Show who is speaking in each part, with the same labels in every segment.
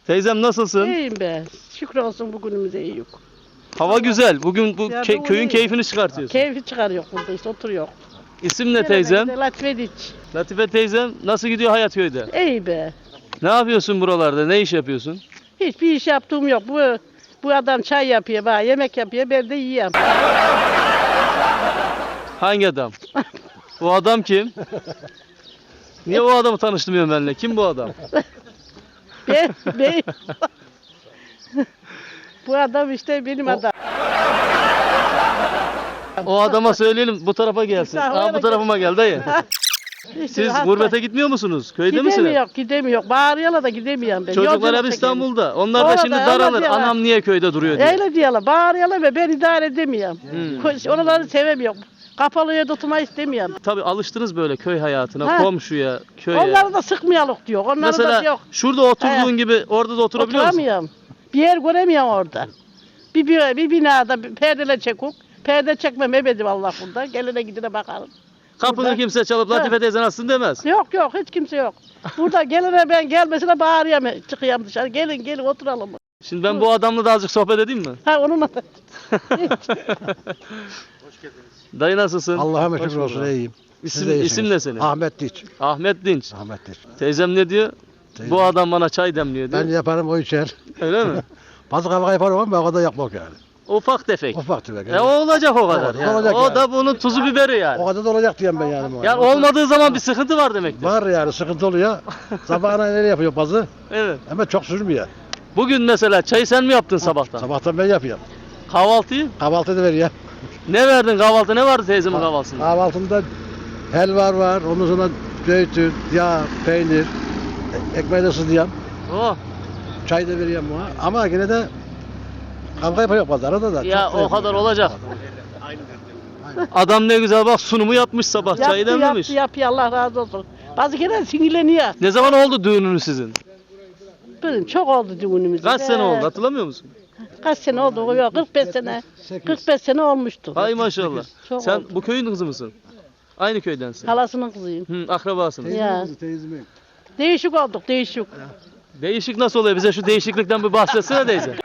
Speaker 1: Teyzem nasılsın?
Speaker 2: İyiyim be. Şükür olsun bugünümüze iyi yok.
Speaker 1: Hava güzel. Bugün bu
Speaker 2: Ya
Speaker 1: köyün
Speaker 2: iyi.
Speaker 1: keyfini çıkartıyorsun.
Speaker 2: Keyfi çıkarıyor burada işte oturuyor.
Speaker 1: İsim ne teyzem?
Speaker 2: Latife Diç.
Speaker 1: Latife teyzem nasıl gidiyor hayat köyde?
Speaker 2: İyi be.
Speaker 1: Ne yapıyorsun buralarda? Ne iş yapıyorsun?
Speaker 2: Hiçbir iş yaptığım yok. Bu adam çay yapıyor, bana yemek yapıyor, ben de yiyorum.
Speaker 1: Hangi adam? Bu adam kim? Niye o adamı tanıştırmıyorsun benimle? Kim bu adam?
Speaker 2: ben... Bu adam işte benim adam.
Speaker 1: O adama söyleyelim bu tarafa gelsin. Aa, bu tarafıma gel dayı.
Speaker 2: İşte
Speaker 1: Siz
Speaker 2: hasta.
Speaker 1: gurbete gitmiyor musunuz? Köyde misiniz?
Speaker 2: Gidemiyor. Bağırıyorlar da gidemiyorum ben.
Speaker 1: Çocuklar
Speaker 2: Yolculuk
Speaker 1: hep
Speaker 2: çekelim.
Speaker 1: İstanbul'da. Onlar da
Speaker 2: Orada,
Speaker 1: şimdi
Speaker 2: öyle
Speaker 1: daralır.
Speaker 2: diyorlar.
Speaker 1: Anam niye köyde duruyor diye.
Speaker 2: Öyle diyorlar. Bağırıyorlar ve ben idare edemiyorum. Oraları sevemiyorum. Kapalı yerde oturmayı istemiyorum.
Speaker 1: Tabii alıştınız böyle köy hayatına,
Speaker 2: Ha.
Speaker 1: komşuya, köye.
Speaker 2: Onları da sıkmayalım diyor. Onları
Speaker 1: Mesela
Speaker 2: da yok.
Speaker 1: şurada oturduğun gibi orada da oturabiliyor musun?
Speaker 2: Oturamıyorum. Bir yer göremiyorum orada. Bir binada bir perdeler çekuk. Perde çekmem ebedim Allah bunda. Gelene gidene bakarım.
Speaker 1: Kapını
Speaker 2: Burada.
Speaker 1: kimse çalıp Latife teyze nasılsın demez.
Speaker 2: Yok hiç kimse yok. Burada gelene ben gelmesine bağırıyorum. Çıkıyorum dışarı. Gelin oturalım.
Speaker 1: Şimdi ben bu adamla da azıcık sohbet edeyim mi?
Speaker 2: Ha onunla da.
Speaker 1: Dayı nasılsın?
Speaker 3: Allah'a
Speaker 1: Hoş
Speaker 3: şükür olsun
Speaker 1: bulduk.
Speaker 3: iyiyim.
Speaker 1: İsim ne senin?
Speaker 3: Ahmet Diç.
Speaker 1: Ahmet Dinç.
Speaker 3: Ahmet Diç.
Speaker 1: Teyzem ne diyor?
Speaker 3: Teyzem-
Speaker 1: Bu adam bana çay demliyor diyor.
Speaker 3: Ben yaparım o içer.
Speaker 1: Öyle mi?
Speaker 3: Bazı kavga yaparım ama ben o kadar yapmak yani.
Speaker 1: Ufak tefek.
Speaker 3: Ufak tefek.
Speaker 1: O olacak o kadar.
Speaker 3: Evet,
Speaker 1: yani.
Speaker 3: olacak
Speaker 1: O
Speaker 3: yani.
Speaker 1: da bunun tuzu biberi yani.
Speaker 3: O kadar da olacak diyeyim ben yani.
Speaker 1: Yani olmadığı zaman bir sıkıntı var demektir.
Speaker 3: Var yani sıkıntı oluyor. Sabahına neler yapıyor bazı
Speaker 1: Evet.
Speaker 3: ama çok sürmüyor.
Speaker 1: Bugün mesela çayı sen mi yaptın sabahtan?
Speaker 3: Sabahtan ben yapıyorum.
Speaker 1: Kahvaltıyı?
Speaker 3: Kahvaltı da veriyor.
Speaker 1: Ne verdin kahvaltı? Ne vardı teyzemin kahvaltısında?
Speaker 3: Kahvaltımda helva var, ondan sonra zeytin, yağ, peynir, ekmeği de ısıtıyorum.
Speaker 1: Oh.
Speaker 3: Çay da veriyorum buna. Ama yine de kavga yapıyor bazı arada da.
Speaker 1: Ya
Speaker 3: Çok da
Speaker 1: o kadar
Speaker 3: yapıyor.
Speaker 1: olacak. Adam ne güzel bak sunumu yapmış sabah çayı demlemiş.
Speaker 2: Yaptı Allah razı olsun. Bazı kere sinirleniyor.
Speaker 1: Ne zaman oldu düğününüz sizin?
Speaker 2: Benim çok oldu düğünümüzde.
Speaker 1: Kaç sene oldu hatırlamıyor musun?
Speaker 2: Kaç sene oldu? Yok 45 sene. 45 sene olmuştu.
Speaker 1: Hay maşallah.
Speaker 2: Çok
Speaker 1: Sen
Speaker 2: oldu.
Speaker 1: bu köyün kızı mısın? Aynı köydensin.
Speaker 2: Halasının kızıyım.
Speaker 1: Hı, akrabasınız.
Speaker 2: Ya.
Speaker 3: Teyzemin.
Speaker 2: Değişik olduk değişik.
Speaker 1: Değişik nasıl oluyor? Bize şu değişiklikten bir bahsetsene teyze.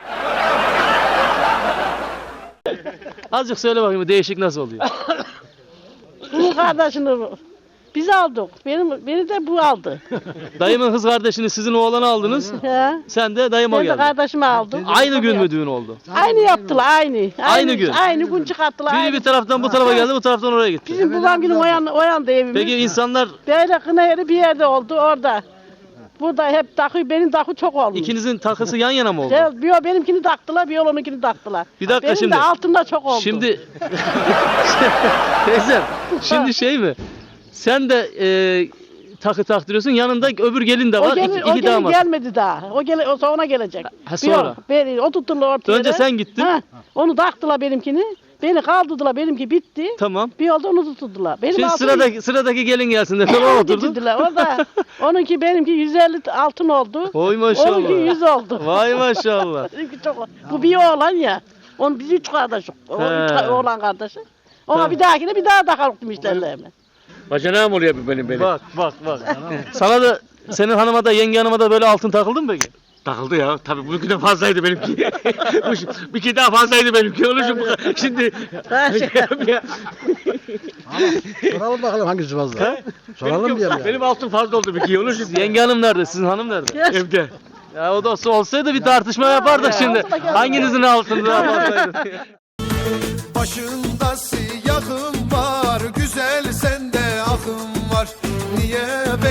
Speaker 1: Azıcık söyle bakayım değişik nasıl oluyor?
Speaker 2: Bunun kardeşini biz aldık. Beni de bu aldı.
Speaker 1: Dayımın kız kardeşini sizin oğlanı aldınız.
Speaker 2: Ya.
Speaker 1: Sen de dayıma
Speaker 2: Ben de
Speaker 1: geldin.
Speaker 2: kardeşimi aldım.
Speaker 1: Aynı gün mü düğün oldu?
Speaker 2: Aynı yaptılar aynı.
Speaker 1: Aynı gün.
Speaker 2: Aynı gün çıkarttılar.
Speaker 1: Biri
Speaker 2: Aynı.
Speaker 1: bir taraftan bu tarafa geldi, bu taraftan oraya gitti.
Speaker 2: Bizim babam günün o yanda evimiz.
Speaker 1: Peki insanlar
Speaker 2: Böyle kına yeri bir yerde oldu orada. Burada hep takı, benim takı çok olmuş.
Speaker 1: ikinizin takısı yan yana mı oldu?
Speaker 2: Bir benimkini taktılar, bir onunkini taktılar.
Speaker 1: Bir dakika
Speaker 2: benim
Speaker 1: şimdi.
Speaker 2: de altında çok oldu.
Speaker 1: Şimdi teyzem şimdi şey mi? Sen de takı taktırıyorsun yanında öbür gelin de var.
Speaker 2: o
Speaker 1: iki
Speaker 2: gelin
Speaker 1: damat.
Speaker 2: gelmedi daha. O sonra gelecek.
Speaker 1: Ha, sonra.
Speaker 2: O tuttular ortaya.
Speaker 1: Önce sen gittin.
Speaker 2: Onu taktılar benimkini. Beni kaldırdılar, benimki bitti.
Speaker 1: Tamam.
Speaker 2: Bir oldu onu tuttular. Benim
Speaker 1: Şimdi
Speaker 2: altın
Speaker 1: sıradaki gelin gelsin de tamam oturdun.
Speaker 2: getirdiler. O da onunki benimki 150 altın oldu.
Speaker 1: Oy maşallah.
Speaker 2: Onunki 100 oldu.
Speaker 1: Vay maşallah.
Speaker 2: Benimki çok. Bu bir oğlan ya. Onun biz 3 kardeşiz. O
Speaker 1: He.
Speaker 2: üç oğlan kardeşi. Ona
Speaker 1: Tamam.
Speaker 2: bir dahakine bir daha takarım işlerine.
Speaker 4: Bacanağım oluyor benim.
Speaker 1: Bak. Sana da senin hanıma da yenge hanıma da böyle altın takıldı mı peki?
Speaker 4: Takıldı ya. Tabii bununki de fazlaydı benimki. Bir kere daha fazlaydı benimki. Onun için şimdi
Speaker 3: Soralım bakalım hangisi fazla. Soralım diyelim yani.
Speaker 4: benim altın fazla oldu bir kere. Onun için
Speaker 1: Yenge hanım nerede? Sizin hanım nerede?
Speaker 4: evde.
Speaker 1: Ya o da olsaydı bir tartışma yapardık şimdi. Hanginizin altını daha fazlaydı?
Speaker 5: Başında siyahım var, güzel sende ahım var. Niye